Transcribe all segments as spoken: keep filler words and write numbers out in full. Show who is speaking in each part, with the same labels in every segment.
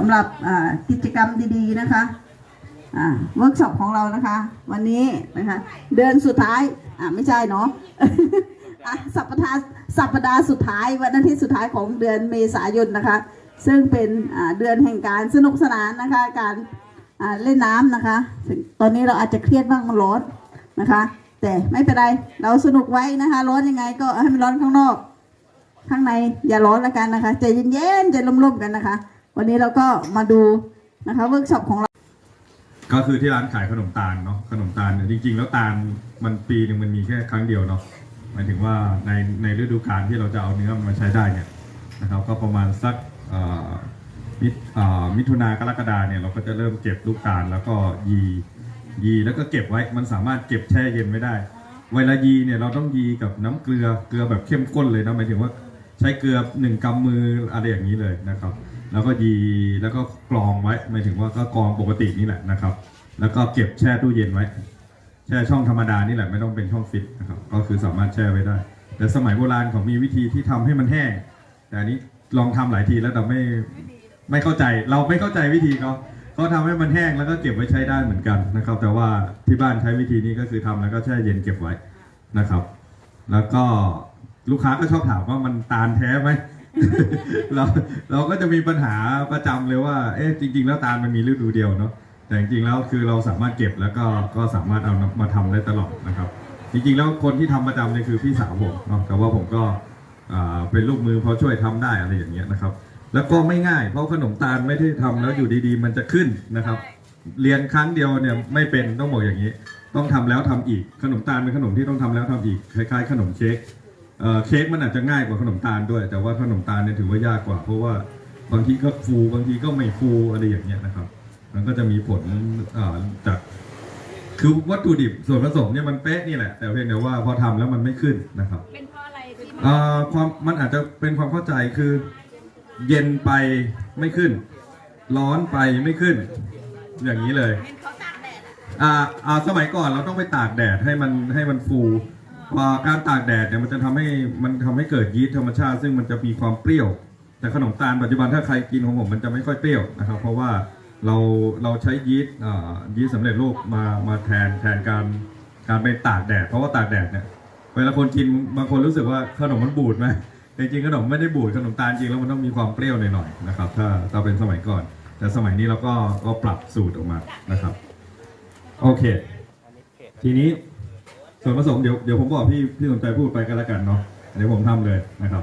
Speaker 1: ำหรับกิจกรรมดีๆนะคะเวิร์กช็อปของเรานะคะวันนี้นะคะเดือนสุดท้ายอ่าไม่ใช่เนาะ สัปดาห์สัปดาห์สุดท้ายวันอาทิตย์สุดท้ายของเดือนเมษายนนะคะซึ่งเป็นเดือนแห่งการสนุกสนานนะคะการเล่นน้ำนะคะตอนนี้เราอาจจะเครียดบ้างมันร้อนนะคะแต่ไม่เป็นไรเราสนุกไว้นะคะร้อนยังไงก็ให้มันร้อนข้างนอกข้างในอย่าร้อนละกันนะคะใจเย็นๆใจร่มๆกันนะคะวันนี้เราก็มาดูนะคะเวิร์กช็อปของเรา
Speaker 2: ก็คือที่ร้านขายขนมตาลเนาะขนมตาลเนี่ยจริงๆแล้วตาลมันปีหนึ่งมันมีแค่ครั้งเดียวเนาะหมายถึงว่าในในฤดูกาลที่เราจะเอาเนื้อมันมาใช้ได้เนี่ยนะครับก็ประมาณสักมิมิถุนากรกฎาเนี่ยเราก็จะเริ่มเก็บลูกตาลแล้วก็ยียีแล้วก็เก็บไว้มันสามารถเก็บแช่เย็นไม่ได้เวลายีเนี่ยเราต้องยีกับน้ำเกลือเกลือแบบเข้มข้นเลยนะหมายถึงว่าใช้เกลือหนึ่งกำมืออะไรอย่างนี้เลยนะครับแล้วก็ยีแล้วก็กรองไว้หมายถึงว่าก็กรองปกตินี่แหละนะครับแล้วก็เก็บแช่ตู้เย็นไว้แช่ช่องธรรมดานี่แหละไม่ต้องเป็นช่องฟิตนะครับก็คือสามารถแช่ไว้ได้แต่สมัยโบราณเขามีวิธีที่ทำให้มันแห้งแต่อันนี้ลองทำหลายทีแล้วแต่ไม่ไม่เข้าใจเราไม่เข้าใจวิธีเขาเขาทำให้มันแห้งแล้วก็เก็บไว้ใช้ได้เหมือนกันนะครับแต่ว่าที่บ้านใช้วิธีนี้ก็คือทำแล้วก็แช่เย็นเก็บไว้นะครับแล้วก็ลูกค้าก็ชอบถามว่ามันตาลแท้ไหม เราเราก็จะมีปัญหาประจำเลยว่าเอ๊ะจริงๆแล้วตาลมันมีฤดูเดียวเนาะแต่จริงๆแล้วคือเราสามารถเก็บแล้วก็ก็สามารถเอามาทำได้ตลอดนะครับจริงๆแล้วคนที่ทำประจำเนี่ยคือพี่สาวผมเนาะแต่ว่าผมก็เป็นลูกมือพอช่วยทำได้อะไรอย่างเงี้ยนะครับแล้วก็ไม่ง่ายเพราะขนมตาลไม่ได้ทำแล้วอยู่ดีๆมันจะขึ้นนะครับเรียนครั้งเดียวเนี่ยไม่เป็นต้องบอกอย่างนี้ต้องทำแล้วทำอีกขนมตาลเป็นขนมที่ต้องทำแล้วทำอีกคล้ายๆขนมเค้กเค้กมันอาจจะง่ายกว่าขนมตาลด้วยแต่ว่าขนมตาลเนี่ยถือว่ายากกว่าเพราะว่าบางทีก็ฟูบางทีก็ไม่ฟูอะไรอย่างเงี้ยนะครับมันก็จะมีผลจากคือวัตถุดิบส่วนผสมเนี่ยมันเป๊ะนี่แหละแต่เพียงแต่ว่าพอทำแล้วมันไม่ขึ้นนะครับ
Speaker 3: เป็นเพราะอะไรที่
Speaker 2: ความมันอาจจะเป็นความเข้าใจคือเย็นไปไม่ขึ้นร้อนไปไม่ขึ้นอย่างนี้เลยอ่าอ่าสมัยก่อนเราต้องไปตากแดดให้มันให้มันฟูการตากแดดเนี่ยมันจะทำให้มันทำให้เกิดยีสต์ธรรมชาติซึ่งมันจะมีความเปรี้ยวแต่ขนมตาลปัจจุบันถ้าใครกินของผมมันจะไม่ค่อยเปรี้ยวนะครับเพราะว่าเราเราใช้ยีสต์ยีสต์สำเร็จรูปมามาแทนแทนการการไปตากแดดเพราะว่าตากแดดเนี่ยเวลาคนกินบางคนรู้สึกว่าขนมมันบูดไหมจริงๆขนมไม่ได้บูดขนมตาลจริงแล้วมันต้องมีความเปรี้ยวหน่อยๆนะครับถ้าถ้าเป็นสมัยก่อนแต่สมัยนี้เราก็ก็ปรับสูตรออกมานะครับโอเคทีนี้ส่วนผสมเดี๋ยวเดี๋ยวผมบอกพี่พี่สนใจพูดไปกันแล้วกันเนาะเดี๋ยวผมทำเลยนะครับ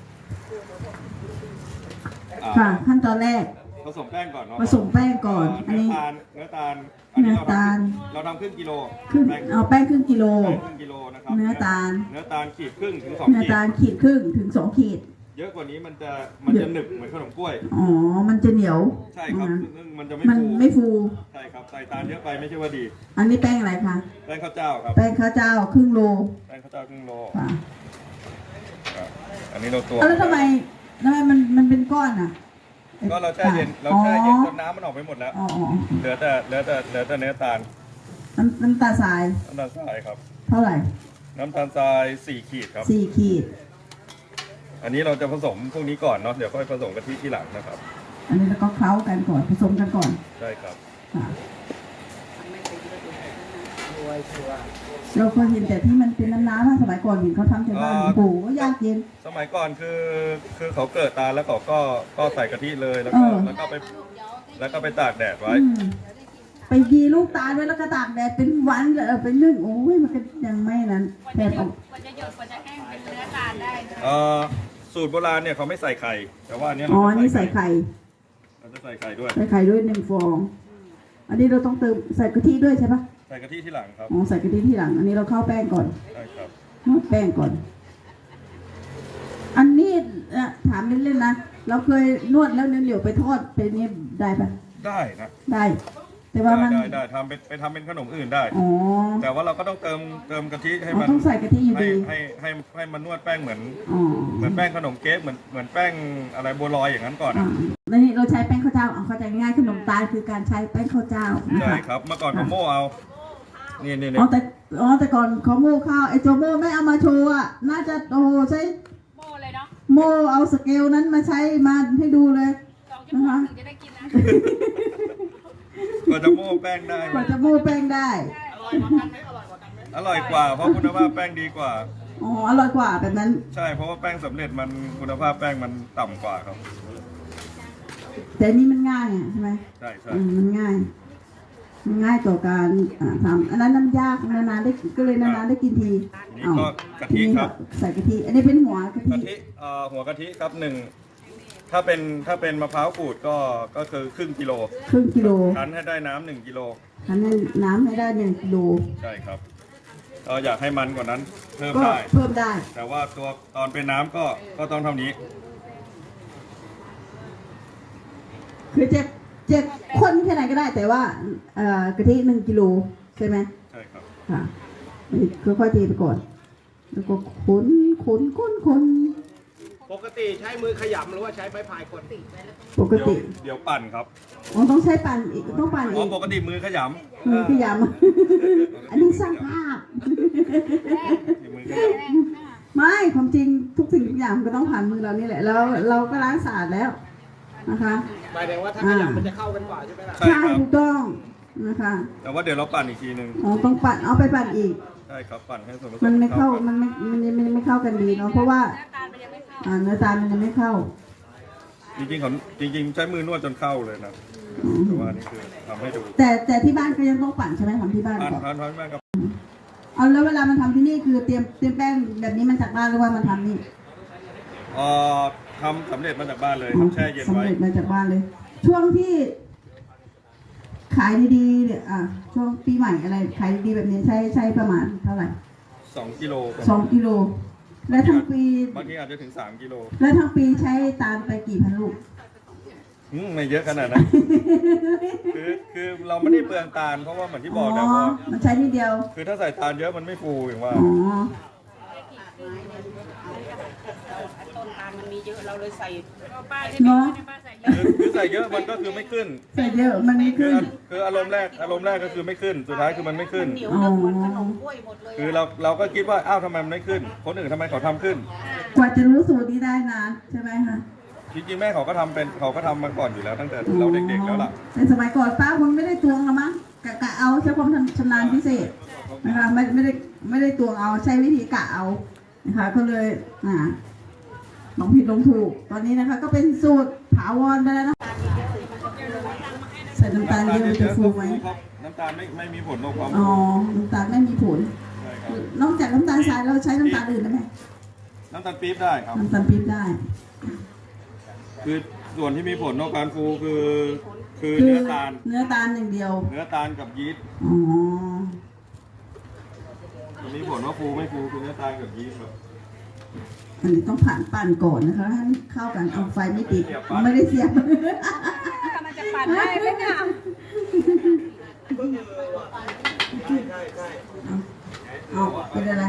Speaker 1: ค่ะขั้นตอนแรก
Speaker 2: ผสมแป้งก่อนเนาะ
Speaker 1: ผสมแป้งก่อนอันนี้
Speaker 2: เนื้อตาล
Speaker 1: เนื้อตาล
Speaker 2: เราทำครึ่งกิโล
Speaker 1: ครึ่งเอาแป้งครึ่งกิโล
Speaker 2: ครึ่งกิโลนะครับ
Speaker 1: เนื้อตาล
Speaker 2: เนื้อตาลขีดครึ่งถึงสอง
Speaker 1: ขีดเนื้อตาลขีดครึ่งถึงสองขีด
Speaker 2: เยอะกว่านี้มันจะมันจะหนึบเหมือนขนมกล้วย
Speaker 1: อ๋อมันจะเหนียว
Speaker 2: ใช่ครับมันจะไม่
Speaker 1: มันไม่ฟู
Speaker 2: ใช่ครับใส่ตาลเยอะไปไม่ใช่ว่าดี
Speaker 1: อันนี้แป้งอะไรคะ
Speaker 2: แป้งข้าวเจ้าครับ
Speaker 1: แป้งข้าวเจ้าครึ่งโล
Speaker 2: แป้งข้าวเจ้าครึ่งโลอันนี้เราตัว
Speaker 1: แล้วทำไมทำไมมันมันเป็นก้อนอ่ะ
Speaker 2: ก็เราแช่เย็นเราแช่เย็นจนน้ำมันออกไปหมดแล้วเหลือแต่เหลือแต่เหลือแต่เนื้อตาล
Speaker 1: น้ำน้ำตาลทราย
Speaker 2: น้ำตาลทรายครับ
Speaker 1: เท่าไหร่
Speaker 2: น้ำตาลทรายสี่ขีดครับ
Speaker 1: สี่ขีด
Speaker 2: อันนี้เราจะผสมพวกนี้ก่อนเนาะเดี๋ยวค่อยผสมกะทิที่หลังนะครับ
Speaker 1: อันนี้เราก็เคล้ากันก่อนผสมกันก่อน
Speaker 2: ใช่ครับ
Speaker 1: เราเคยเห็นแต่ที่มันเป็นน้ำน้ำสมัยก่อนเห็นเขาทำที่บ้านโอ้โหยากเย็น
Speaker 2: สมัยก่อนคือคือเขาเกิดตาแล้วเขาก็ก็ใส่กะทิเลยแล้วก็แล้วก็ไปแล้วก็ไปตากแดดไว้
Speaker 1: ไปยีลูกตาลไว้แล้วก็ตากแดดเป็นวันเลยเป็นนึ่งโอ้ยมันก็ยังไม่นั้นแผ่นออก
Speaker 3: กว่าจะหยดกว่าจะแห้งเป็นเนื้อตาลได้
Speaker 2: เออสูตรโบราณเนี่ยเขาไม่ใส่ไข่แต่ว่าอันนี้
Speaker 1: อ๋อนี่ใส่ไข่
Speaker 2: เราจะใส่ไข่ด้วย
Speaker 1: ใส่ไข่ด้วยหนึ่งฟองอันนี้เราต้องเติมใส่กะทิด้วยใช่ปะ
Speaker 2: ใส่กะทิที่หลังครับ
Speaker 1: อ๋อใส่กะทิที่หลังอันนี้เราเข้าแป้งก่อน
Speaker 2: ใช่ครับ
Speaker 1: นวดแป้งก่อนอันนี้ถามเล่นๆนะเราเคยนวดแล้วเหนียวๆไปทอดเป็นนี้ได้ปะ
Speaker 2: ได้นะ
Speaker 1: ได้แต่ว่ามัน
Speaker 2: ได้ได้ทำไปไปทำเป็นขนมอื่นได้
Speaker 1: อ๋อ
Speaker 2: แต่ว่าเราก็ต้องเติมเติมกะทิให้มัน
Speaker 1: ต้องใส่กะทิอยู่ดี
Speaker 2: ให้ให้ให้มันนวดแป้งเหมือนเหมือนแป้งขนมเค้กเหมือนเหมือนแป้งอะไรบัวลอยอย่างนั้นก่อน
Speaker 1: แล้วนี่เราใช้แป้งข้าวเจ้าเอาเข้าใจง่ายขนมตาลคือการใช้แป้งข้าวเจ้า
Speaker 2: ใช่ครับเมื่อก่อนเขาโม่เอานี่นี่
Speaker 1: อ๋อแต่อ๋อแต่ก่อนเขาโม่ข้าวไอ้โจโม่ไม่เอามาโชว์อ่ะน่าจะโอ้ใช้
Speaker 3: โม่เลยเนาะ
Speaker 1: โม่เอาสเกลนั้นมาใช้มาให้ดูเลย
Speaker 3: นะคะ
Speaker 2: กว่าจะโม้แป้งได้
Speaker 1: กว่าจะโม้แป้งได้
Speaker 2: อร่อยกว่าเพราะคุณภาพแป้งดีกว่า
Speaker 1: อ๋ออร่อยกว่าแบบนั้น
Speaker 2: ใช่เพราะว่าแป้งสำเร็จมันคุณภาพแป้งมันต่ำกว่าครับ
Speaker 1: แต่นี่มันง่ายอ่ะใช่ไหม
Speaker 2: ใช่ใช่
Speaker 1: อืมมันง่ายมันง่ายต่อการอ่าทำอันนั้นน้ำยากนานๆได้ก็เลยนานๆได้กินที
Speaker 2: ทีนี้ก็กะทิครับ
Speaker 1: ใส่กะทิ อันนี้เป็นหัวกะทิ
Speaker 2: กะทิเอ่อหัวกะทิครับหนึ่งถ้าเป็นถ้าเป็นมะพร้าวขูดก็ก็คือครึ่งกิโล
Speaker 1: ครึ่งกิโล
Speaker 2: คั้นให้ได้น้ำหนึ่งกิโล
Speaker 1: คั้นให้น้ำให้ได้หนึ่งกิโล
Speaker 2: ใช่ครับเราอยากให้มันกว่านั้นเพิ่ม
Speaker 1: ก็
Speaker 2: ได้
Speaker 1: เพิ่มได้
Speaker 2: แต่ว่าตัวตอนเป็นน้ำก็ก็ต้องเท่านี้
Speaker 1: คือจะจะข้นแค่ไหนก็ได้ แต่ว่าเอ่อกะทิหนึ่งกิโลใช่ไหม
Speaker 2: ใช่ครับ
Speaker 1: ค่ะค่อยๆเทไปก่อน แล้วก็คนคนคนคน
Speaker 4: ปกติใช้มือขยำหรือว่าใช้ไม้พายคน
Speaker 1: ปก
Speaker 2: เดี๋ยว
Speaker 1: ติ
Speaker 2: เดี๋ยวปั่นครับ
Speaker 1: อ๋อต้องใช้ปั่นอีกต้องปั่น
Speaker 2: เพ
Speaker 1: อี
Speaker 2: ราะ
Speaker 1: ก
Speaker 2: ปกติมือขย
Speaker 1: มือขยำ อันนี้สร้างภาพ
Speaker 2: ำมือขย
Speaker 1: ไม่ความจริงทุกสิ่งทุกอย่างมันก็ต้องผ่านมือเรานี่แหละ แล้วเราก็ล้างสะอาดแล้วนะคะ
Speaker 4: หมายถึงว่าถ้าขยำมันจะเข้ากันกว่าใช่ไหมล่ะ
Speaker 2: ำใช่
Speaker 1: ใช่
Speaker 2: ครับ
Speaker 1: ถูกต้องนะคะ
Speaker 2: แต่ว่าเดี๋ยวเราปั่นอีกทีหนึ่ง
Speaker 1: อ๋อต้องปั่นเอาไปปั่นอีก
Speaker 2: ใช่ครับปั่นให้ส่วนผสม
Speaker 1: มันไม่เข้า
Speaker 2: กัน
Speaker 1: มันไม่มันยังมันยังไม่เข้ากันดีเนาะเพราะว่า
Speaker 3: หน้าตาลมันยังไม่เข้า
Speaker 1: อ่าเนื้อตาลมันยังไม่เข้า
Speaker 2: จริงๆของจริง ๆ ใช้มือนวดจนเข้าเลยนะ
Speaker 1: อืม
Speaker 2: แต่ว่านี่คือทำให้ดู
Speaker 1: แต่แต่ที่บ้านก็ยังต้องปั่นใช่ไหมทำที่บ้าน
Speaker 2: ปั่น
Speaker 1: ก่อน
Speaker 2: ปั่นปั่นปั่นกับ
Speaker 1: เอาแล้วเวลามันทำที่นี่คือเตรียมเตรียมแป้งแบบนี้มันจากบ้านหรือว่ามันทำนี่
Speaker 2: เอ่อทำสำเร็จมาจากบ้านเลยครับแช่เย็น
Speaker 1: สำ
Speaker 2: ไว้
Speaker 1: เร็จมาจากบ้านเลย ช่วงที่ ขายดีๆเนี่ยอ่ะช่วงปีใหม่อะไรขายดีๆแบบนี้ใช้ใช้ประมาณเท่าไหร่
Speaker 2: สองกิโลประ
Speaker 1: ส
Speaker 2: มา
Speaker 1: อ
Speaker 2: ณ
Speaker 1: งกิโล และทั้งปี
Speaker 2: บางทีอาจจะถึงสามกิโล
Speaker 1: และทั้งปีใช้ตาลไปกี่พันลูก
Speaker 2: อืมไม่เยอะขนาดนั้น คือคือเราไม่ได้เปลืองตาลเพราะว่าเหมือนที่บอกนะว่า
Speaker 1: มันใช้นิดเดียว
Speaker 2: คือถ้าใส่ตาลเยอะมันไม่ฟูอย่างว่า
Speaker 1: อ๋อ
Speaker 3: ต้นตาลมันมีเยอะเราเลยใส่ก็ป้าใช่ไหมในป้าใส่เย
Speaker 2: คือ
Speaker 3: อะ
Speaker 2: คือใส่เยอะมันก็คือไม่ขึ้น
Speaker 1: ใส่เยอะมันไม่
Speaker 2: คือ
Speaker 1: ขึ้น
Speaker 2: คืออารมณ์แรกอารมณ์แรกก็คือไม่ขึ้น สุดท้ายคือมันไม่ขึ้น
Speaker 3: เหนียวแล้วเหมือนขนมกล้วยหมดเลย
Speaker 2: คือเราเราก็คิดว่าอ้าวทำไมมันไม่ขึ้น คนอื่นทำไมเขาทำขึ้น
Speaker 1: กว่าจะรู้สูตรนี้ได้นานใช่ไหมคะ
Speaker 2: จริงๆแม่เขาก็ทำเป็นเขาก็ทำมาก่อนอยู่แล้วตั้งแต่เราเด็กๆแล้วล่ะ
Speaker 1: ในสมัยก่อนป้าคงไม่ได้ตวงหรอกมั้งกะกะเอาใช้ความชำนาญพิเศษนะคะไม่ไม่ได้ไม่ได้ตวงเอาใช้วิธีกะเอานะคะก็เลยอ่าลองผิดลองถูก ตอนนี้นะคะ ก็เป็นสูตรถาวรไปแล้วนะใส่น้ำตาลเยอะมันจะฟูไหม
Speaker 2: ครับน้ำตาลไม่ไม่มีผลต่อความ
Speaker 1: อ๋อ
Speaker 2: ฟู
Speaker 1: น้ำตาลไม่มีผล
Speaker 2: ใช่ครับ
Speaker 1: นอกจากน้ำตาลทรายเราใช้น้ำตาลอื่นได้ไหม
Speaker 2: น้ำตาลปี๊บได้ครับ
Speaker 1: น้ำตาลปี๊บได้
Speaker 2: คือส่วนที่มีผลต่อการฟูคือ คือ
Speaker 1: คือ
Speaker 2: เนื้อตาล
Speaker 1: เนื้อตาลอย่างเดียว
Speaker 2: เนื้อตาลกับยีสต์
Speaker 1: อ๋อ
Speaker 2: มันมีผลว่าฟูไม่ฟูคือเนื้อตาลกับยีสต์ครับ
Speaker 1: อันนี้ต้องผ่านปั่นก่อนนะคะให้มันเข้ากันเอาไฟไม่ติด
Speaker 2: เสียบปลั๊ก
Speaker 1: ไม่ได้เสียบ
Speaker 3: มันจะปั่นได้ไหมเนี่ย
Speaker 1: เอาเป็นอะไร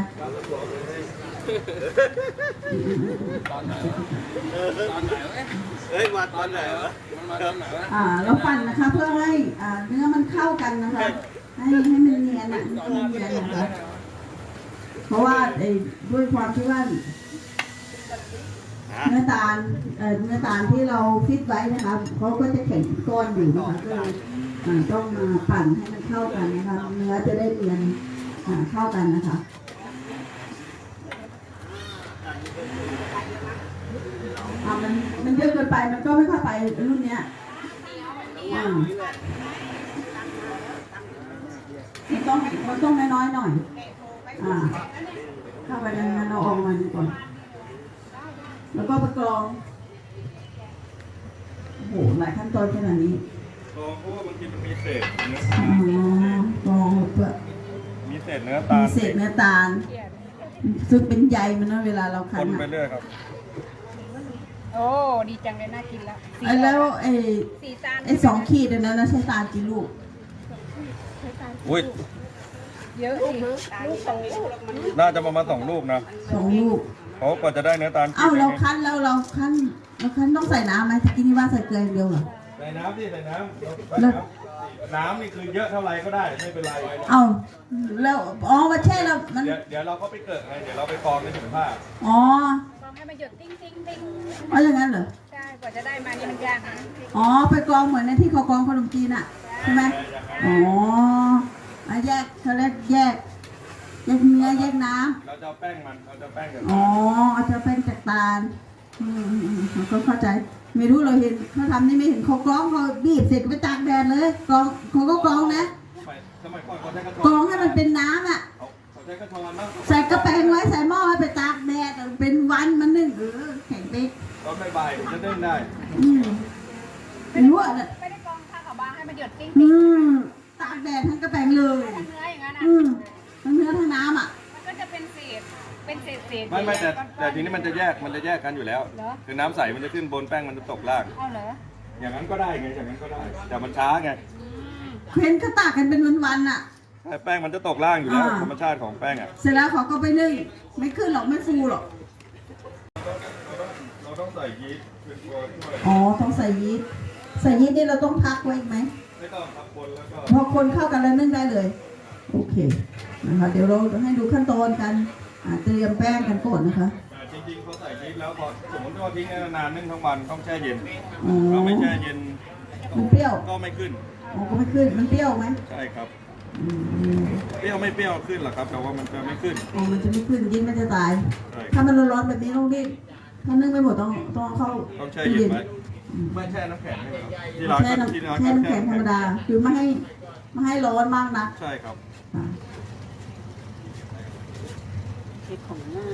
Speaker 4: เฮ้ยมาตอนไหนวะ
Speaker 1: อ่าเราปั่นนะคะเพื่อให้อ่าเนื้อมันเข้ากันนะคะ ให้ให้มันเนียนอ่ะให้มันเนียนนะคะเพราะว่าไอ้ด้วยความที่ว่าเนื้อตาลเอ่อเนื้อตาลที่เราฟิตไว้นะคะเขาก็จะแข็งเป็นก้อนอยู่นะคะก็เลยอ่าต้องมาปั่นให้มันเข้ากันนะคะเนื้อจะได้เนียนอ่าเข้ากันนะคะอ่ามันมันเยอะเกินไปมันก็ไม่เข้าไปรุ่นเนี้ยอ่ามันต้องมันต้องน้อยๆหน่อยอ่าเข้าไปนั้นๆเราออกมาดีก่อนแล้วก็ประกรองโอ้โหหลายขั้นตอนขนาดนี้
Speaker 2: ลองเพราะว่าบางทีมันมีเศษเนื้อ
Speaker 1: อ๋อกรองเพื่อ
Speaker 2: มีเศษเนื้อตา
Speaker 1: มี
Speaker 2: ล
Speaker 1: เศษเนื้อตาล ซึ่งเป็นใยมันนะเวลาเราคั้
Speaker 2: คน นไป
Speaker 1: อะ
Speaker 2: เรื่อยครับ
Speaker 3: โอ้ดีจังเลยน่ากินแล้ว
Speaker 1: ไอ้แล้วไอ้
Speaker 3: สีตาล
Speaker 1: ไอ้สองขีดอันนั้นนะใช้ตาลกี่ลูก
Speaker 2: อุ้ย
Speaker 3: เยอะสิตาลโตแล้วมัน
Speaker 2: น่าจะประมาณสองลูกนะ
Speaker 1: สองลูก
Speaker 2: เพราะกว่าจะได้เนื้อตาล
Speaker 1: เอ้าเรา
Speaker 2: ขีด
Speaker 1: คั้นแล้วเราคั้นเราคั้นต้องใส่น้ำไหมตะกี้นี่ว่าใส่เกลืออย่างเดียวเหรอ
Speaker 2: ใส่น้ำสิใส่น้ำเราใส่
Speaker 1: แล้ว
Speaker 2: น้ำน้ำนี่คือเยอะเท่าไรก็ได้ไม่เป็นไร
Speaker 1: เอ้าแล้วอ๋อมาแช่แล้วมัน
Speaker 2: เดี๋ยวเดี๋ยวเราก็ไปเกิดไงเดี๋ยวเราไปกรองในถุงผ้า
Speaker 1: อ๋อ
Speaker 3: ลองให้มันหยดติ้งติ้งติ้ง
Speaker 1: เอาอย่างนั้นเหรอ
Speaker 3: ใช่พกว่าจะได้มานี่มันยากนะ
Speaker 1: อ๋อไปกรองเหมือนในที่เขากรองขนมจีนอ่ะใช่ไหมอ๋ออ่ะแยกเขาเรียกแยกแยกเนื้อแยกน้ำ
Speaker 2: เราจะเอาแป้งมันเราจะแป้งกับ
Speaker 1: อ๋อเอาจะเป็นจากตาลอืมอืมอืมเราก็เข้าใจ ไม่รู้เราเห็นเขาทำนี่ไม่เห็นเขากรองเขาบีบเสร็จก็ไปตากแดดเลยกรองเขาก็กรองนะ
Speaker 2: สมัยสมัยก่อนเขาใช้กระช
Speaker 1: กร
Speaker 2: อ
Speaker 1: อน งให้มันเป็นน้ำอ่ะ
Speaker 2: เขาเขาใช้กระชอนแล้ว
Speaker 1: ใส่กระแปงไว้ใส่หม้อให้ไปตากแดดเป็นวันมันนึ่งเออแข็งเป๊ก
Speaker 2: ก็ไม่ใบจะนึ่งได้
Speaker 1: อืมไม่รู้อ่ะเนี่ย
Speaker 3: ไม่ได้กรองผ้าขาวบางให้มันหยดติ้ง
Speaker 1: อืมตากแดดทั้งกระแปงเลย
Speaker 3: ทั้งเนื้ออย่างนั้นอ่ะ
Speaker 1: อืมทั้งเนื้อทั้งน้ำอ่ะ
Speaker 3: มันก็จะเป็นเศษเป็นเศษเศษ
Speaker 2: ไม่ไม่แต่แต่ทีนี้มันจะแยกมันจะแยกกันอยู่แล้ว
Speaker 3: เหรอ
Speaker 2: คือน้ำใสมันจะขึ้นบนแป้งมันจะตกล่าง
Speaker 3: เอาเหรอ
Speaker 2: อย่างนั้นก็ได้ไงอย่างนั้นก็ได้ แต่มันช้าไง
Speaker 1: เห็นเขาตากกันเป็นวันๆอ่ะ
Speaker 2: แต่แป้งมันจะตกล่างอยู่แล้ว
Speaker 1: อ่า
Speaker 2: ธรรมชาติของแป้งอ่ะ
Speaker 1: เสร็จแล้วเขาก็ไปนึ่งไม่ขึ้นหรอกไม่ฟูหรอก
Speaker 2: เราต้องใส่ยีสต์เป็นตัวช่วย
Speaker 1: อ๋อต้องใส่ยีสต์ใส่ยีสต์นี่เราต้องพักไว้อีกไหม
Speaker 2: ไม่ต้องทับบนแล้วก็
Speaker 1: พอคนเข้ากันแล้วนึ่งได้เลย โอเคนะคะเดี๋ยวเราให้ดูขั้นตอนการอ่าเตรียมแป้งกันก่อนนะคะ
Speaker 2: แต่จริงๆเขาใส่ยีสต์แล้วพอสมมติว่าทิ้งนานๆนึ่งทั้งวันต้องแช่เย็น
Speaker 1: อ๋อ
Speaker 2: ถ้าไม่แช่เย็น
Speaker 1: มันเปรี้ยว
Speaker 2: ก็ไม่ขึ้น
Speaker 1: อ๋อก็ไม่ขึ้นมันเปรี้ยวไหม
Speaker 2: ใช่ครับ
Speaker 1: อืม
Speaker 2: เปรี้ยวไม่เปรี้ยวขึ้นหรอกครับ แต่ว่ามันจะไม่ขึ้น
Speaker 1: อ๋อมันจะไม่ขึ้นยีสต์มันจะตาย
Speaker 2: ใช่ค
Speaker 1: ถ้า
Speaker 2: รับ
Speaker 1: มันร้อนๆแบบนี้ต้องรีบถ้านึ่งไม่หมดต้องต้องเอาเข้า
Speaker 2: ต้องแช่
Speaker 1: ตู้
Speaker 2: เย็นไว้ไม่แช่น้ำแข็งใช่ไหมครับที่ร้าน
Speaker 1: แช่
Speaker 2: ก็
Speaker 1: น้ำ
Speaker 2: ที่ร้าน
Speaker 1: แช่
Speaker 2: ก็
Speaker 1: น้ำแข็งธรรมดา คือไม่ให้ไม่ให้ร้อนมากนะ
Speaker 2: ใช่ครับ
Speaker 1: อ่า
Speaker 3: เห็ดของง่าย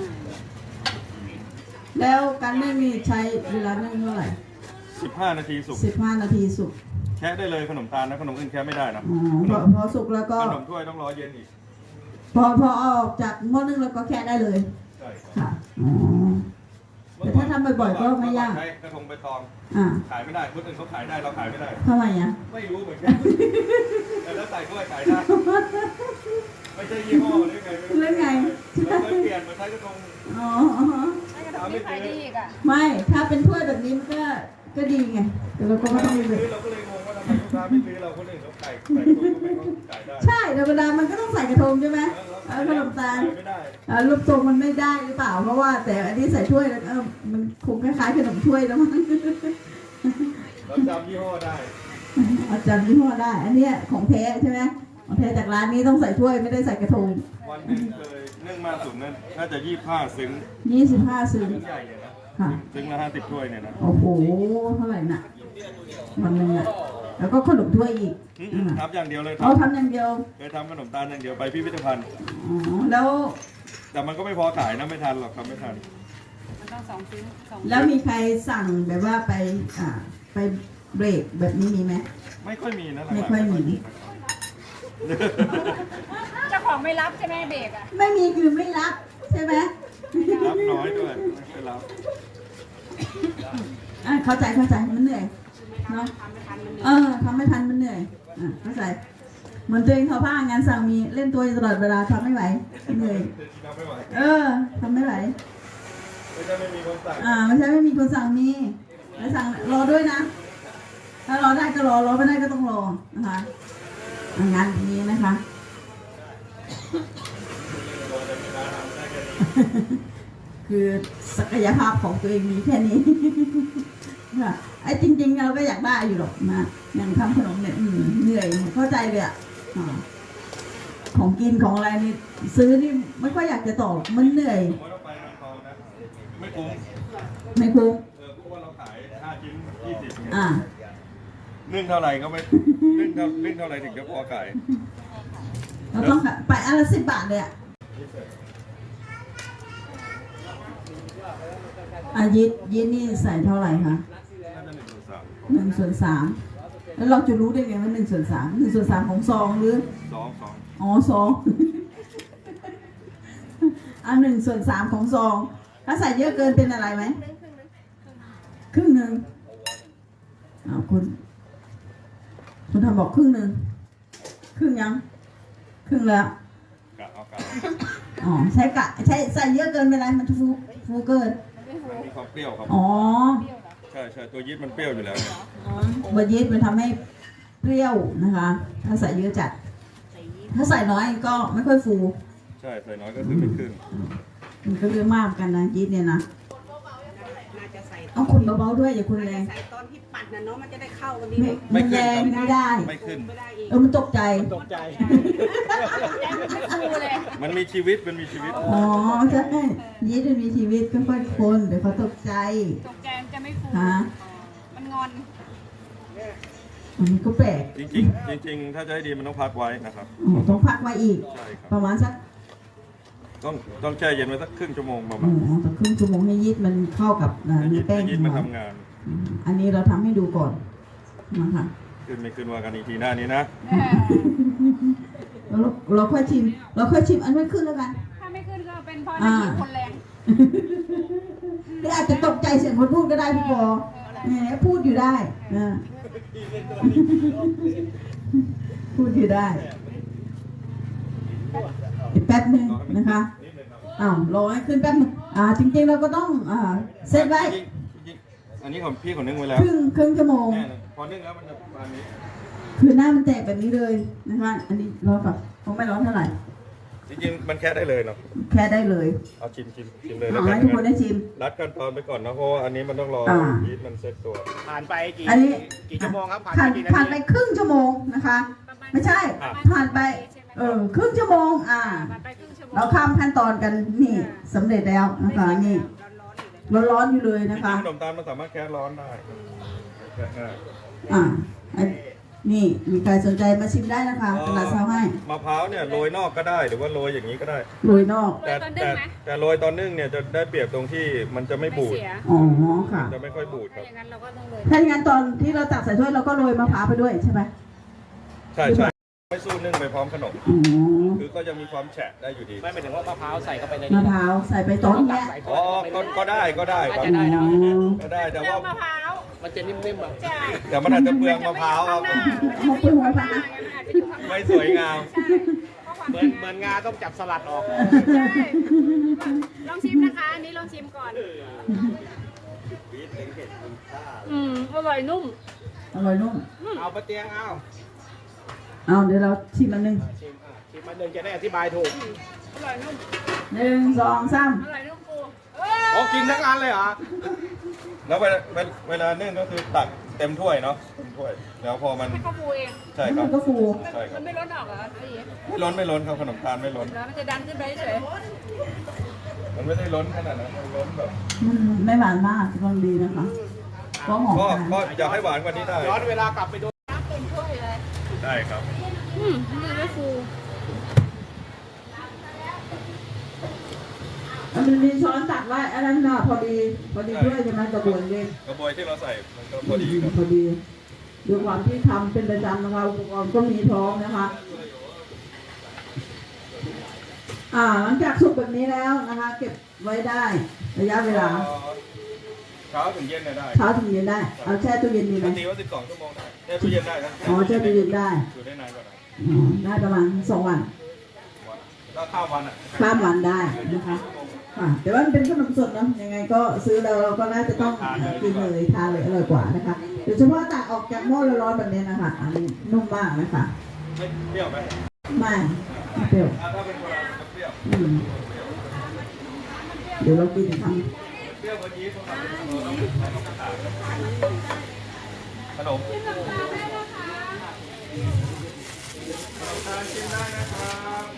Speaker 1: แล้วการนึ่งนี่ใช้เวลานึ่งเท่าไหร่
Speaker 2: สิบห้านาทีสุก
Speaker 1: สิบห้านาทีสุก
Speaker 2: แค่ได้เลยขนมตาลนะขนมอื่นแค่ไม่ได้นะ
Speaker 1: อ๋อพอพอสุกแล้วก็
Speaker 2: ขนมถ้วยต้องรอเย็นอีก
Speaker 1: พอพอเอาออกจากหม้อนึ่งแล้วก็แค่ได้เลย
Speaker 2: ใช่
Speaker 1: ค่ะ อ๋อ แต่ถ้าทำบ่อยๆก็ไม่ยาก
Speaker 2: ใช้กระทงใบตอง
Speaker 1: อ่า
Speaker 2: ขายไม่ได้คนอื่นเขาขายได้เราขายไม่ได้
Speaker 1: ทำไมอ่ะ
Speaker 2: ไม่รู้เหมือนกันแต่แล้วใส่ถ้วยขายได้ไม่ใช่ยี่ห้อหรือไง
Speaker 1: เรื่องไง
Speaker 2: เราเคยเปลี่ยนมาใช้กระทง
Speaker 1: อ๋ออ๋อ
Speaker 3: ให้กระดาษนี่ขายดีอีกอ่ะ
Speaker 1: ไม่ ถ้าเป็นถ้วยแบบนี้มันก็ก็ดีไง แต่เราก็ไม่ต้อง
Speaker 2: ไม่
Speaker 1: ไป
Speaker 2: ซื้อเราก็เลยงงว่าทำไมลูกค้าไม่ซื้อเราคนอื่นเขาขายใส่กระทงก็ไม่เขาขายได้
Speaker 1: ใช่ธรรมดามันก็ต้องใส่กระทงใช่ไหมเอาขนมตาล
Speaker 2: ไม่ได้
Speaker 1: อ่ารูปทรงมันไม่ได้หรือเปล่า เพราะว่าแต่อันนี้ใส่ถ้วยแล้วเออมันคงคล้ายๆขนมถ้วยแล้วมั้ง
Speaker 2: เราจำยี่ห้อได้
Speaker 1: อาจารย์ยี่ห้อได้ อันเนี้ยของแท้ใช่ไหมของแท้จากร้านนี้ต้องใส่ถ้วยไม่ได้ใส่กระทง
Speaker 2: วันหนึงเคยนึ่งมากสุดนั้นน่าจะยี่สิบห้าซึ้ง
Speaker 1: ยี่สิบห้าซึ้ง
Speaker 2: ซึ้งใหญ่เลยนะ
Speaker 1: ค่ะ
Speaker 2: ซึ้งละห้าสิบถ้วยเนี่ยนะ
Speaker 1: โอ้โห เท่าไหร่น่ะวันหนึงอ่ะ แล้วก็ขนมถ้วยอีก
Speaker 2: อืม
Speaker 1: อ่า
Speaker 2: ทำอย่างเดียวเลย
Speaker 1: เอาทำอย่างเดียว
Speaker 2: เคยทำขนมตาลอย่างเดียวไปพิพิธภัณฑ์
Speaker 1: อ๋อ แล้ว
Speaker 2: แต่มันก็ไม่พอขายนะไม่ทันหรอกทำไม่ทัน
Speaker 3: มันต้องสองชิ้นสอง
Speaker 1: แล้วมีใครสั่งแบบว่าไป อ่า ไปเบรกแบบนี้มีไหม
Speaker 2: ไม่ค่อยมีนะหลังๆ
Speaker 1: ไม่ค่อยมี
Speaker 3: เจ้าของไม่รับใช่ไหมเบรกอ่ะ
Speaker 1: ไม่มีคือไม่รับใช่ไหม
Speaker 2: รับน้อยด้วยไม่ค่อยรับ
Speaker 1: อ่ะเข้าใจเข้าใจมันเหนื่อยเนาะ
Speaker 3: ทำไม่ทันมันเหนื่
Speaker 1: เอ
Speaker 3: อย
Speaker 1: อทำไม่ทันมันเหนื่อยอ่ะเข้าใจเหมือนตัวเองทอผ้างานสั่งมีเล่นตัวอยู่ตลอดเวลาทำไม่ไหวเหนื่อย
Speaker 2: ทำไม่ไหว
Speaker 1: เออทำไม่ไหว
Speaker 2: ไม่ใช่ไม่มีคนสั่ง
Speaker 1: อ่าไม่ใช่ไม่มีคนสั่งมีแล้วสั่งรอด้วยนะ ถ้ารอได้ก็รอรอไม่ได้ก็ต้องรอนะคะอ่ะงานอย่างนี้นะคะ คือศักยภาพของตัวเองมีแค่นี้ ค่ะไอ้จริงๆเราก็อยากได้อยู่หรอกนะอย่างทำขนมเนี่ยอืมเหนื่อยเข้าใจเลยอ่ะอ่าของกินของอะไรนี่ซื้อนี่ไม่ค่อยอยากจะต่อมันเหนื่อย
Speaker 2: ผมว่าเราไปเมืองทองนะไม่คุ้ม
Speaker 1: ไม่คุ้ม
Speaker 2: เออเพราะว่าเราขายห้าชิ้นยี่สิบเนี่ย
Speaker 1: อ่า
Speaker 2: นึ่งเท่าไหร่ก็ไม่นึ่งเท่านึ่งเท่าไหร่ถึงจะพอขาย
Speaker 1: เราต้องค่ะไปอันละสิบบาทเลยอ่ะอายิดยิดนี่ใส่เท่าไหร่คะ
Speaker 2: น่าจะหนึ่งส่วนสาม
Speaker 1: หนึ่งส่วนสามแล้วเราจะรู้ได้ไงว่าหนึ่งส่วนสามหนึ่งส่วนสามของซองหรือ
Speaker 2: สองสอง
Speaker 1: อ๋อซอง อันหนึ่งส่วนสามของซอง ถ้าใส่เยอะเกินเป็นอะไรไหมครึ่งหนึ่งอ้าวคุณคุณทำบอกครึ่งหนึ่งครึ่งยัง ครึ่งแล้ว
Speaker 2: กะเอากะ
Speaker 1: อ๋อใช้กะใช้ใส่เยอะเกินเป็นไรมันฟูฟูเกิน
Speaker 2: มันมีความเปรี้ยวครับ
Speaker 1: อ๋อ
Speaker 2: ใช่ใช่ตัวยีสต์มันเปรี้ยวอยู่แล้วเนี่ย
Speaker 1: เบอร์ยีสต์มันทำให้เปรี้ยวนะคะ ถ้าใส่เยอะจัด ถ้าใส่น้อยก็ไม่ค่อยฟู
Speaker 2: ใช่ใส่น้อยก็คือไม่ขึ้น
Speaker 1: มันก็เรื่องมากเหมือนกันนะยีสต์เนี่ยนะ
Speaker 3: น่าจะจะใส่
Speaker 1: เอาคนเบาๆด้วยอย่าคนแรง
Speaker 3: ใส่ตอนที่ปัดนะเนาะมันจะได้เข้ากันดี
Speaker 1: ไม่มันแรงไม่ได้
Speaker 2: ไม่ขึ้น
Speaker 3: ไม่ได้อีก
Speaker 1: เออมันตกใจ
Speaker 4: ตกใจ
Speaker 2: มันมีชีวิตมันมีชีวิต
Speaker 1: อ๋อใช่ยีดมันมีชีวิตค่อยๆคนเดี๋ยวเขาตกใจ
Speaker 3: ตกใจมันจะไม่ฟู
Speaker 1: ฮะ
Speaker 3: มันงอน
Speaker 1: มันก็แปลก
Speaker 2: จริงๆจริงๆถ้าจะให้ดีมันต้องพักไว้นะครับ
Speaker 1: อ๋อต้องพักไว้อีก
Speaker 2: ใช่ครับ
Speaker 1: ประมาณสัก
Speaker 2: ต้องต้องแช่เย็นไว้สักครึ่งชั่วโมงประ
Speaker 1: อ๋
Speaker 2: มา
Speaker 1: อ
Speaker 2: ณ
Speaker 1: สักครึ่งชั่วโมงให้ยีดมันเข้ากับอ่า
Speaker 2: ให้
Speaker 1: เนื้
Speaker 2: ยี
Speaker 1: อแป้ง
Speaker 2: ให้ยี
Speaker 1: ของ
Speaker 2: มัน
Speaker 1: เรา
Speaker 2: ทำงาน
Speaker 1: อืมอันนี้เราทำให้ดูก่อนนะคะ
Speaker 2: ขึ้นไม่ขึ้นว่ากันอีกทีหน้านี้นะ
Speaker 1: เราเราค่อยชิม เราค่อยชิมอันไม่ขึ้นแล้วกัน
Speaker 3: ถ้าไม่ขึ้นก็เป็นเพราะนักขี่คนแรง
Speaker 1: หรืออาจจะตกใจเสียงคนพูดก็ได้พี่ปอแหมพูดอยู่ได้นะพูดอยู่ได้อีกแป๊บหนึ่งนะคะอ้าวรอให้ขึ้นแป๊บหนึงอ่าจริงๆเราก็ต้องอ่าเซตไว้
Speaker 2: จริงๆอันนี้ของพี่ของนึ่งไว้แล้ว
Speaker 1: ครึ่งครึ่งชั่วโมง
Speaker 2: แน่เลยพอนึ่งแล้วมันจะประมาณนี้
Speaker 1: คือหน้ามันแตกแบบนี้เลยนะคะอันนี้ร้อนกับคงไม่ร้อนเท่าไหร่
Speaker 2: จริงๆมันแค่ได้เลยเนาะ
Speaker 1: แค่ได้เลย
Speaker 2: เอาชิมชิมชิมเลยแล้ว
Speaker 1: เอา
Speaker 2: กัน
Speaker 1: ให้ทุกคนได้ชิม
Speaker 2: รัดขั้นตอนไปก่อนนะเพราะว่าอันนี้มันต้องรอ
Speaker 1: อ่า
Speaker 2: ยีสต์มันเซ็ตตัว
Speaker 4: ผ่านไปกี่
Speaker 1: อันนี้
Speaker 4: กี่ชั่วโมงครับผ่าน
Speaker 1: ผ่า
Speaker 4: ไป
Speaker 1: น
Speaker 4: กี่นา
Speaker 1: ผ่านไป
Speaker 4: ที
Speaker 1: ครึ่งชั่วโมงนะคะ ไม่ใช่ ผ่านไปเออครึ่งชั่วโมงอ่า
Speaker 3: ไปครึ่งชั่วโมง
Speaker 1: เราข้ามขั้นตอนกันนี่สำเร็จแล้วนะคะนี่
Speaker 3: ร้อนๆอยู่เลย
Speaker 1: ร้อนๆอยู่เลย
Speaker 2: จ
Speaker 1: นะ
Speaker 2: ริง
Speaker 1: คะ
Speaker 2: ๆขนมตาลมันสามารถแค่ร้อนได้แค่ง่าย
Speaker 1: อ่าอันนี่มีใครสนใจมาชิมได้นะคะตลาดเช้าให้
Speaker 2: มะพร้าวเนี่ยโรยนอกก็ได้หรือว่าโรยอย่างนี้ก็ได้
Speaker 1: โรยนอก
Speaker 2: แต่แต่แต่โรยตอนนึ่งเนี่ยจะได้เปรียบตรงที่มันจะไม่
Speaker 3: ไม่
Speaker 2: บูด
Speaker 3: เสีย
Speaker 1: อ๋อค่ะ
Speaker 2: จะไม่ค่อยบูดค
Speaker 3: ถ้า
Speaker 2: รับ
Speaker 3: อย่างนั้นเราก็ต้องเลย
Speaker 1: ถ้าอย่างนั้นตอนที่เราตักใส่ถ้วยเราก็โรยมะพร้าวไปด้วยใช่ไหม
Speaker 2: ใช่ใช่ไม่สู้นึ่งไปพร้อมขนม
Speaker 1: อ๋อ
Speaker 2: คือก็จะมีความแฉะได้อยู่ดี
Speaker 4: ไม่หมายถึงว่ามะพร้าวใส่เข้าไปใน
Speaker 1: มะ
Speaker 4: นี้
Speaker 1: พร้าวใส่ไปตอนเนี้ย
Speaker 4: ใส่
Speaker 2: อ๋อก็ก็ได้ก็ได้ครับ
Speaker 4: จะได้นะ
Speaker 2: ก็ได้แต่ว่า
Speaker 3: มะพร้าว
Speaker 4: มันจะนิ่มๆอ่ะ
Speaker 3: ใช่
Speaker 2: แต่มันอาจจะเปลืองมะพร้าวครับ
Speaker 1: มะเปลืองมะพร้าว
Speaker 3: อาจจะอยู่ข้างหน้า
Speaker 2: ไม่สวยงาม
Speaker 3: ใช่เพราะความ
Speaker 4: เหมือนเหมือนงาต้องจับสลัดออก
Speaker 3: ใช่ลองชิมนะคะ อันนี้ลองชิมก่อน อืมอร่อยนุ่ม
Speaker 1: อร่อยนุ่ม
Speaker 4: เอาปะเตียงเอา
Speaker 1: เอาเดี๋ยวเราชิมอันหนึง
Speaker 4: ชิมอ่ะชิมมันหนึ่งจะได้อธิบายถูก
Speaker 3: อร่อยนุ่ม
Speaker 1: หนึ่งสองสาม
Speaker 3: อร่อยนุ่มปู
Speaker 4: โอ้กินทั้งอันเลยเหรอ
Speaker 2: แล้วเวลาเวลาเวลานึ่งก็คือตักเต็มถ้วยเนาะเต็มถ้วย แล้วพอมัน
Speaker 3: ให้เขาปูเอง
Speaker 2: ใช่ค
Speaker 1: มั
Speaker 2: รับ
Speaker 1: นก็ฟู
Speaker 2: ใช่ครั
Speaker 3: มั
Speaker 2: บ
Speaker 3: นไม่ร้อนออกเหรอไอ้เหี้ย
Speaker 2: ไม่ล้นไม่ล้นครับขนมตาลไม่ล้น
Speaker 3: แล้วมันจะดันขึ้นไปเฉย
Speaker 2: มันไม่ได้ล้นขนาดนั้นมันล้นแบบ
Speaker 1: มันไม่หวานมากกำลังดีนะคะก็หอม
Speaker 2: ก็
Speaker 1: นะ
Speaker 2: ก็อยากให้หวานกว่านี้ได้
Speaker 4: ย้อนเวลากลับไปดู
Speaker 3: น้ำเต็มถ้วยเลย
Speaker 2: ได้ครับ
Speaker 3: อืมมันไม่ฟู
Speaker 1: มันมีช้อนตักไว้อันนั้นน่ะพอดีพอดีด้วยใช่ไหมกระบวนเอง
Speaker 2: กระบวยที่เราใส่มันก็พอดีครับ
Speaker 1: พอดีด้วยความที่ทำเป็นประจำนะคะอุปกรณ์ก็มีพร้อมนะคะ อ่าหลังจากสุกแบบนี้แล้วนะคะ เก็บไว้ได้ระยะเวลา
Speaker 2: เช้าถึงเย็นเนี่ยได้
Speaker 1: เช้าถึงเย็นได้ เอาแช่ตู้เย็นดีไหม
Speaker 2: ปกติว่าสิบสองชั่วโมงได้แช่ตู้เย็นได้นะ
Speaker 1: อ๋อแช่ตู้เย็นได้
Speaker 2: อยู่ได้นานกว่านั้น
Speaker 1: อ๋อได้ประมาณสองวัน
Speaker 2: แล้วข้าววันอ่ะ
Speaker 1: ข้ามวันได้นะคะอ่าแต่ว่ามันเป็นขนมสดเนาะยังไงก็ซื้อเราเราก็น่าจะต้องกินเลยทานเลยอร่อยกว่านะคะโดยเฉพาะตักออกจากหม้อร้อนๆแบบนี้นะคะอันนี้นุ่มมากนะคะ
Speaker 2: ไม่เปรี้ยวไหม
Speaker 1: ไม่ไม่เปรี้ยว
Speaker 2: อ่าถ้าเป็นโบราณจะเปรี้ยว
Speaker 1: อืมเดี๋ยวเรากินท
Speaker 2: เปรี้ยวกว่านี้พวกเราต้องต้องกระถางขนมขนมตาลชิมได้นะครับ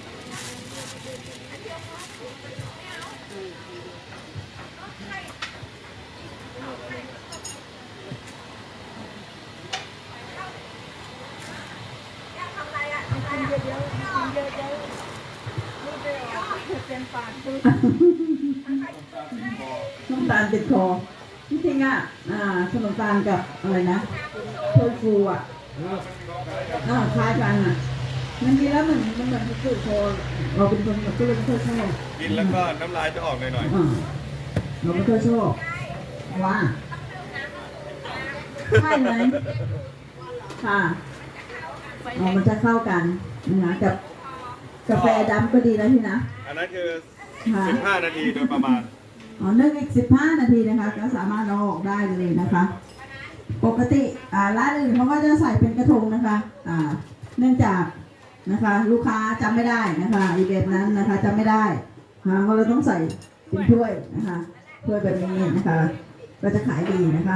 Speaker 1: ำน้ำตาลติดคอจริงๆอ่ะอ่าขนมตาลกับอะไรนะโทฟูอ่ะอ่าคล้ายกันอ่ะมันกินแล้วเหมือนมันเหมือนติดคอเราเป็นคนแบบก็เลยไม่ค่อยชอบ
Speaker 2: กินแล้วก็น้ำลายจะออกหน่อย
Speaker 1: อ่าเราไม่ค่อยชอบว่าใช่ไหมค่ะอ๋อมันจะเข้ากันนะคะกับกาแฟดำก็ดีนะพี่นะ
Speaker 2: ๆอันนั้นคือ
Speaker 1: ค่ะ
Speaker 2: สิบห้านาทีโดยประมาณ
Speaker 1: อ๋อนึ่งอีกสิบห้านาทีนะคะก็สามารถเอาออกได้เลยนะคะ ปกติอ่าร้านอื่นเขาก็จะใส่เป็นกระทงนะคะอ่าเนื่องจากนะคะ ลูกค้าจำไม่ได้นะคะอีแบบนั้นนะคะจำไม่ได้นะคะก็เลยต้องใส่เป็นถ้วยนะคะถ้วยแบบนี้นะคะก็จะขายดีนะคะ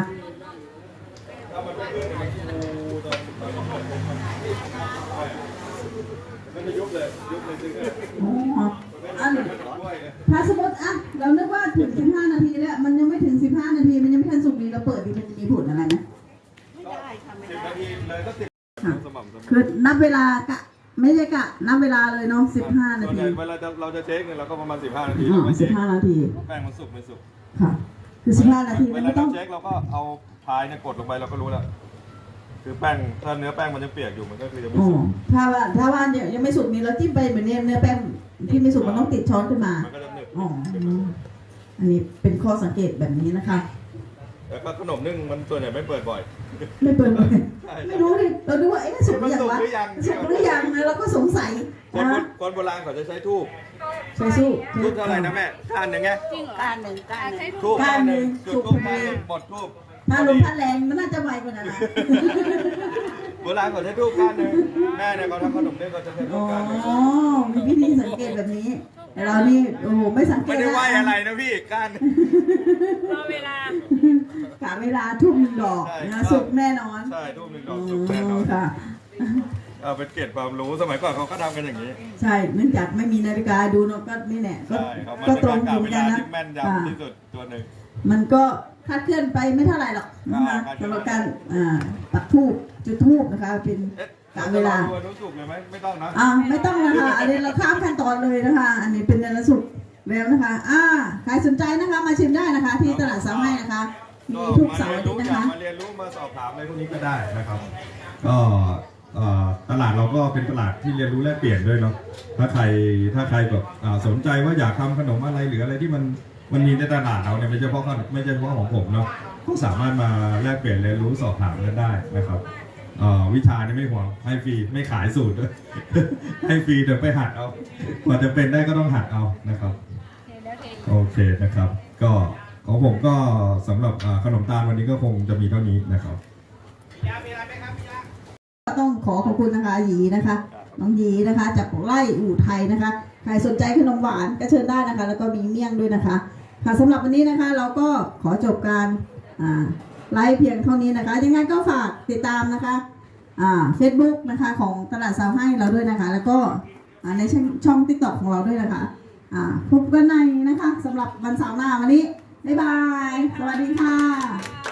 Speaker 1: อ๋ออันถ้าสมมติอ่ะเรานึกว่าถึงสิบห้านาทีแล้วมันยังไม่ถึงสิบห้านาทีมันยังไม่ทันสุกดีเราเปิดดีมันจะมีผลอะไรไหม
Speaker 3: ไม่ได้ค่ะไม่
Speaker 2: สิบ
Speaker 3: ได้
Speaker 2: นาทีเลยก็สิบ
Speaker 1: ค่ะ
Speaker 2: สม่ำเสมอ
Speaker 1: คือนับเวลากะไม่ใช่กะนับเวลาเลยเนาะสิบห้านา
Speaker 2: ส่วนให
Speaker 1: ที
Speaker 2: ญ่เวลาจะเราจะเช็คเนี่ยเราก็ประมาณสิบห้านาที
Speaker 1: อ๋
Speaker 2: เรา
Speaker 1: อ
Speaker 2: ไม่
Speaker 1: สิ
Speaker 2: เช็
Speaker 1: บ
Speaker 2: ค
Speaker 1: ห้านาที
Speaker 2: แป้งมันสุกไม่สุก
Speaker 1: ค่ะ คือสิบห้านาที
Speaker 2: เว
Speaker 1: มัน
Speaker 2: ลา
Speaker 1: ไม่ต้
Speaker 2: เรา
Speaker 1: อง
Speaker 2: เช็คเราก็เอาพายเนี่ยกดลงไปเราก็รู้แล้วคือแป้งถ้าเนื้อแป้งมันยังเปียกอยู่มันก็คือจะไม่
Speaker 1: อ๋อ
Speaker 2: สุก
Speaker 1: ถ้าว่าถ้าว่าเนี่ยยังไม่สุกนี่เราจิ้มไปเหมือนเนี่ยเนื้อแป้งที่ไม่สุกมันต้องติดช้อนขึ้นมา
Speaker 2: มันก็จะหนึบ
Speaker 1: อ๋ออันนี้เป็นข้อสังเกตแบบนี้นะคะ
Speaker 2: แล้วก็ขนมนึ่งมันส่วนใหญ่ไม่เปิดบ่อย
Speaker 1: ไม่เปิดเลย
Speaker 2: ใช่
Speaker 1: ไม่รู้ดิเราดูว่าเอ๊ะสุกหรือยังวะ
Speaker 2: มันสุกหรือยัง
Speaker 1: สุกหรือยังนะเราก็สงสัย
Speaker 2: คน
Speaker 1: นะ
Speaker 2: คนโบราณเขาจะใช้ทูบ
Speaker 1: ใช่สู้
Speaker 2: ทูบเท่าไหร่นะแม่ก้านหนึ่งไง
Speaker 3: จริงเหรอการหนึ่งการหนึ่ง
Speaker 2: ทูบ
Speaker 1: ก้านหนึ่ง
Speaker 2: จุด
Speaker 1: สุก
Speaker 2: ทูบ
Speaker 1: พ
Speaker 2: ก้า
Speaker 1: อน ดี
Speaker 2: หนึ่งหมดทูบ
Speaker 1: ถ้าลมพัดแรงมันน่าจะไวกว่านั้นนะ
Speaker 2: โบราณเขาใช้ทูบก้านหนึ่งแม่เนี่ยเขาทำขนมเนี่ยเขาจะใช้ทู
Speaker 1: อ๋
Speaker 2: บ
Speaker 1: อ
Speaker 2: ก้านหนึ่ง
Speaker 1: มีวิธีสังเกตแบบนี้แต่เรานี่โอ้โหไม่สังเก
Speaker 2: ไม่
Speaker 1: ต
Speaker 2: ได้ไหว
Speaker 1: นะ
Speaker 2: อะไรนะพี่ก้านหนึ่ง
Speaker 3: รอเวลา
Speaker 1: กะเวลาทุ่มหนึ่งดอก
Speaker 2: ใช่
Speaker 1: นะสุกแน่นอน
Speaker 2: ใช่ทูบหนึ่งด
Speaker 1: อ๋
Speaker 2: อกสุกแน่นอ
Speaker 1: อน ค่ะ
Speaker 2: เอาเป็นเกร็ดความรู้สมัยก่อนเขาก็ทำกันอย่างนี้
Speaker 1: ใช่เนื่องจากไม่มีนาฬิกาดูเนาะก็นี่แหละก็
Speaker 2: ใช่ครับมัน
Speaker 1: ก็
Speaker 2: เป็น
Speaker 1: ตร
Speaker 2: กาง ร
Speaker 1: อก
Speaker 2: ะ
Speaker 1: ยู่เห
Speaker 2: เว
Speaker 1: มือนกั
Speaker 2: ลาน
Speaker 1: นะ
Speaker 2: ที่แม่น
Speaker 1: อ่าย
Speaker 2: ำที่สุดตัวหนึ่ง
Speaker 1: มันก็คลาดเคลื่อนไปไม่เท่าไหร่หรอกนะคะ
Speaker 2: อ่า
Speaker 1: สำหรับการอ่าปักทูบจุดทูบนะคะ เป็น
Speaker 2: เอ๊ะ
Speaker 1: กะเวลา
Speaker 2: ตัวรู้สุกเลยไหมไม่ต้องนะ
Speaker 1: อ่าไม่ต้องนะคะอันนี้เราข้ามขั้นตอนเลยนะคะ อันนี้เป็นเนรสุกแล้วนะคะ อ่าใครสนใจนะคะมาชิมได้นะคะ ที่ตลาดสามให้นะคะ มีทุกเสาร์อาทิตย์นะคะ
Speaker 2: มาเรียนรู้มาสอบถามอะไรพวกนี้ก็ได้นะครับ ก็เอ่อตลาดเราก็เป็นตลาดที่เรียนรู้แลกเปลี่ยนด้วยเนาะถ้าใครถ้าใครแบบอ่าสนใจว่าอยากทำขนมอะไรหรืออะไรที่มันมันมีในตลาดเราเนี่ยไม่ใช่เฉพาะขนมไม่ใช่เฉพาะของผมเนาะก็สามารถมาแลกเปลี่ยนเรียนรู้สอบถามกันได้นะครับเอ่อวิชานี่ไม่ห่วงให้ฟรีไม่ขายสูตรด้วย ให้ฟรีเดี๋ยวไปหัดเอากว่าจะเป็นได้ก็ต้องหัดเอานะครับ โอเคนะครับ ก็ของผมก็สำหรับอ่าขนมตาลวันนี้ก็คงจะมีเท่านี้นะครับ
Speaker 4: ยามีอะไรไหมครับพี่ยา
Speaker 1: ต้องขอขอบคุณนะคะหยีนะคะ น้องหยีนะคะ จากไร่อู่ไทยนะคะ ใครสนใจขนมหวานก็เชิญได้นะคะ แล้วก็มีเมี่ยงด้วยนะคะ ค่ะสำหรับวันนี้นะคะ เราก็ขอจบการอ่าไลฟ์เพียงเท่านี้นะคะ ยังไงก็ฝากติดตามนะคะอ่าเฟซบุ๊กนะคะของตลาดสาวให้เราด้วยนะคะ แล้วก็อ่าในช่องช่องติ๊กต็อกของเราด้วยนะคะอ่าพบกันในนะคะสำหรับวันเสาร์หน้าวันนี้บ๊ายบาย สวัสดีค่ะ